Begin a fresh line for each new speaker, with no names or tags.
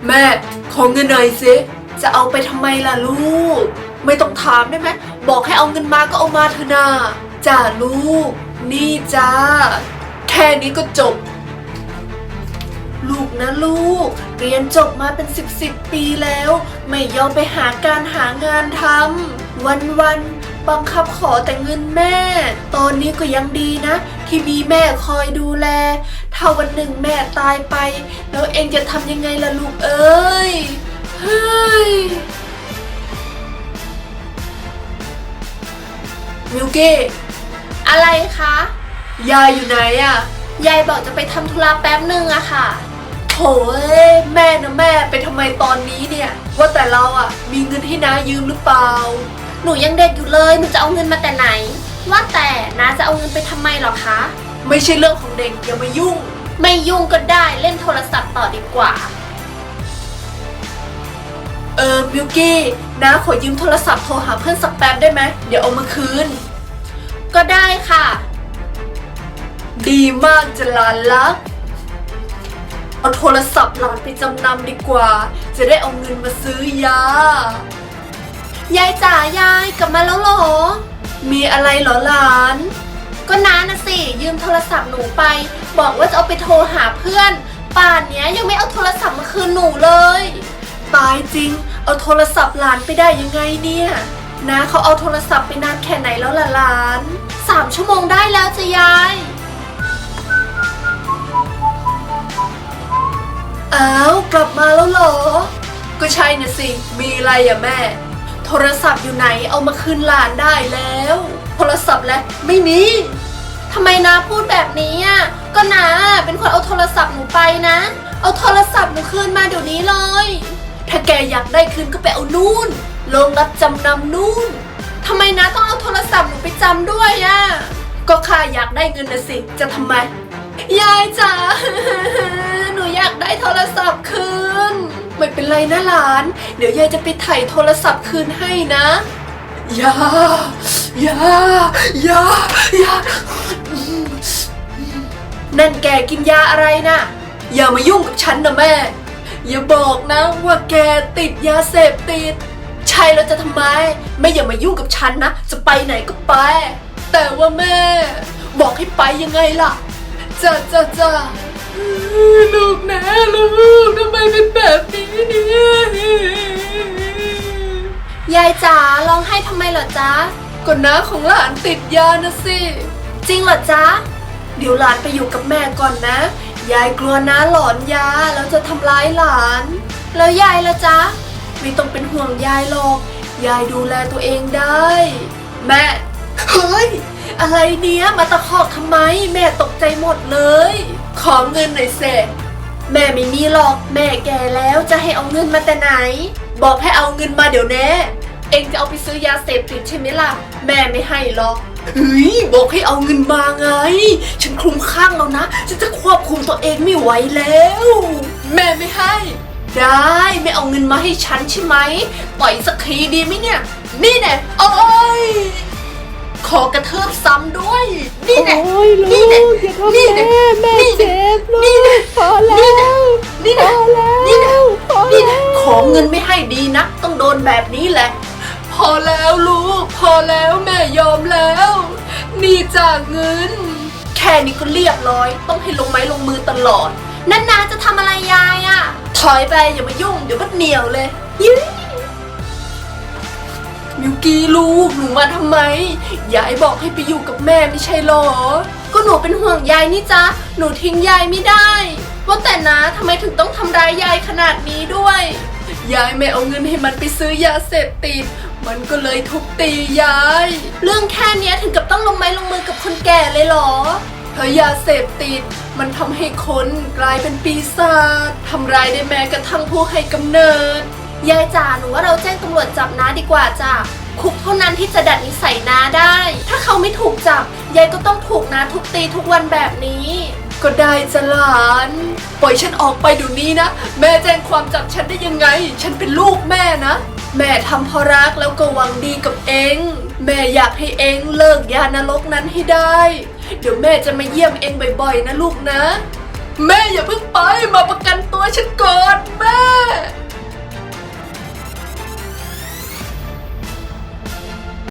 แม่ขอเงินหน่อยสิจะเอาไปทำไมล่ะลูกไม่ต้องถามได้ไหมบอกให้เอาเงินมาก็เอามาเถอะนะจ้าลูกนี่จ้าแค่นี้ก็จบลูกนะลูกเรียนจบมาเป็นสิบปีแล้วไม่ยอมไปหาการหางานทำวันบังคับขอแต่เงินแม่ตอนนี้ก็ยังดีนะที่มีแม่คอยดูแลถ้าวันหนึ่งแม่ตายไปแล้วเองจะทำยังไงล่ะลูกเอ้ยเฮ้ยมิวกี้
อะไรคะ
ยายอยู่ไหนอะ
ยายบอกจะไปทำธุระแป๊บนึงอะค่ะ
โถแม่นะแม่ไปทำไมตอนนี้เนี่ยว่าแต่เราอะมีเงินให้น้ายืมหรือเปล่า
หนูยังเด็กอยู่เลยหนูจะเอาเงินมาแต่ไหนว่าแต่น้าจะเอาเงินไปทำไมหรอคะ
ไม่ใช่เรื่องของเด็กอย่ามายุ่ง
ไม่ยุ่งก็ได้เล่นโทรศัพท์ต่อดีกว่า
มิวกี้น้าขอยืมโทรศัพท์โทรหาเพื่อนสักแป๊บได้ไหมเดี๋ยวเอามาคืน
ก็ได้ค่ะ
ดีมากจะหลานรักเอาโทรศัพท์หลานไปจำนำดีกว่าจะได้เอาเงินมาซื้อยาย
ายจ๋ายายกลับมาแล้วเหรอ
มีอะไรเหรอหลาน
ก็น้านะสิยืมโทรศัพท์หนูไปบอกว่าจะเอาไปโทรหาเพื่อนป่านเนี้ยยังไม่เอาโทรศัพท์มาคืนหนูเลย
ตายจริงเอาโทรศัพท์หลานไปได้ยังไงเนี่ยนะเขาเอาโทรศัพท์ไปนานแค่ไหนแล้วล่ะหลาน
3 ชั่วโมงได้แล้วจ้ะยาย
อ้าวกลับมาแล้วเหรอก็ใช่นะสิมีอะไรอะแม่โทรศัพท์อยู่ไหนเอามาคืนหลานได้แล้วโทรศัพท์แล้วไม่มี
ทำไมน้าพูดแบบนี้อ่ะก็น้าเป็นคนเอาโทรศัพท์หนูไปนะเอาโทรศัพท์หนูคืนมาเดี๋ยวนี้เลย
ถ้าแกอยากได้คืนก็ไปเอานู่นโรงรับจำนำนู่น
ทำไมน้าต้องเอาโทรศัพท์หนูไปจำด้วยอ่ะ
ก็ข้าอยากได้เงินนะสิจะทำไม
ยายจ๋าหนูอยากได้โทรศัพท์คืน
ไม่เป็นไรนะหลานเดี๋ยวยายจะไปไถ่โทรศัพท์คืนให้นะอย่านั่นแกกินยาอะไรนะอย่ามายุ่งกับฉันนะแม่อย่าบอกนะว่าแกติดยาเสพติดใช่แล้วจะทำไมไม่อย่ามายุ่งกับฉันนะจะไปไหนก็ไปแต่ว่าแม่บอกให้ไปยังไงล่ะจ้าลูกนะลูกทำไมเป็นแบบนี้เนี่ย
ยายจ๋าร้องไห้ทำไมเหรอจ๊ะ
ก็น้าของหลานติดยานะสิ
จริงเหรอจ๊ะ
เดี๋ยวหลานไปอยู่กับแม่ก่อนนะยายกลัวน้าหลอนยาแล้วจะทำร้ายหลาน
แล้วยายล่ะจ๊ะ
ไม่ต้องเป็นห่วงยายหรอกยายดูแลตัวเองได้แม่เฮ้ยอะไรเนี้ยมาตะคอกทำไมแม่ตกใจหมดเลยขอเงินหน่อยเสแม่ไม่มีหรอกแม่แก่แล้วจะให้เอาเงินมาแต่ไหนบอกให้เอาเงินมาเดี๋ยวนี้เองจะเอาไปซื้อยาเสพติดใช่ไหมล่ะแม่ไม่ให้หรอกเฮ้ยบอกให้เอาเงินมาไงฉันคลุ้มคลั่งแล้วนะฉันจะควบคุมตัวเองไม่ไหวแล้วแม่ไม่ให้ได้ไม่เอาเงินมาให้ฉันใช่ไหมปล่อยสักทีดีไหมเนี่ยนี่แน่โอ้ยขอกระเทืบซ้ำด้วยนี่แน่นี่แน่นี่แน่
แม่เจ็บลูกพอแล้ว
นี่แน่นี่แน่นี่แน่ขอเงินไม่ให้ดีนะต้องโดนแบบนี้แหละพอแล้วลูกพอแล้วแม่ยอมแล้วนี่จากเงินแค่นี้ก็เรียบร้อยต้องให้ลงไม้ลงมือตลอด
นั่นนาจะทำอะไรยายอ่ะ
ถอยไปอย่ามายุ่งเดี๋ยวมันเหนียวเลยมิวกี้ลูกหนูมาทำไมยายบอกให้ไปอยู่กับแม่ไม่ใช่หรอ
ก็หนูเป็นห่วงยายนี่จ๊ะหนูทิ้งยายไม่ได้ว่าแต่นะทำไมถึงต้องทำร้ายยายขนาดนี้ด้วย
ยายไม่เอาเงินให้มันไปซื้อยาเสพติดมันก็เลยทุบตียาย
เรื่องแค่นี้ถึงกับต้องลงไม้ลงมือกับคนแก่เลยเหรอ
เพราะยาเสพติดมันทำให้คนกลายเป็นปีศาจทำร้ายได้แม้กระทั่งผู้ให้กำเนิด
ยายจ๋าหนูว่าเราแจ้งตำรวจจับน้าดีกว่าจ้ะคุกเท่านั้นที่จะดัดนิสัยน้าได้ถ้าเขาไม่ถูกจับยายก็ต้องถูกน้าทุบตีทุกวันแบบนี้
ก็ได้จะหลานปล่อยฉันออกไปเดี๋ยวนี้นะแม่แจ้งความจับฉันได้ยังไงฉันเป็นลูกแม่นะแม่ทำเพราะรักแล้วก็หวังดีกับเองแม่อยากให้เองเลิกยานรกนั้นให้ได้เดี๋ยวแม่จะมาเยี่ยมเองบ่อยๆนะลูกนะแม่อย่าเพิ่งไปมาประกันตัวฉันก่อนแม่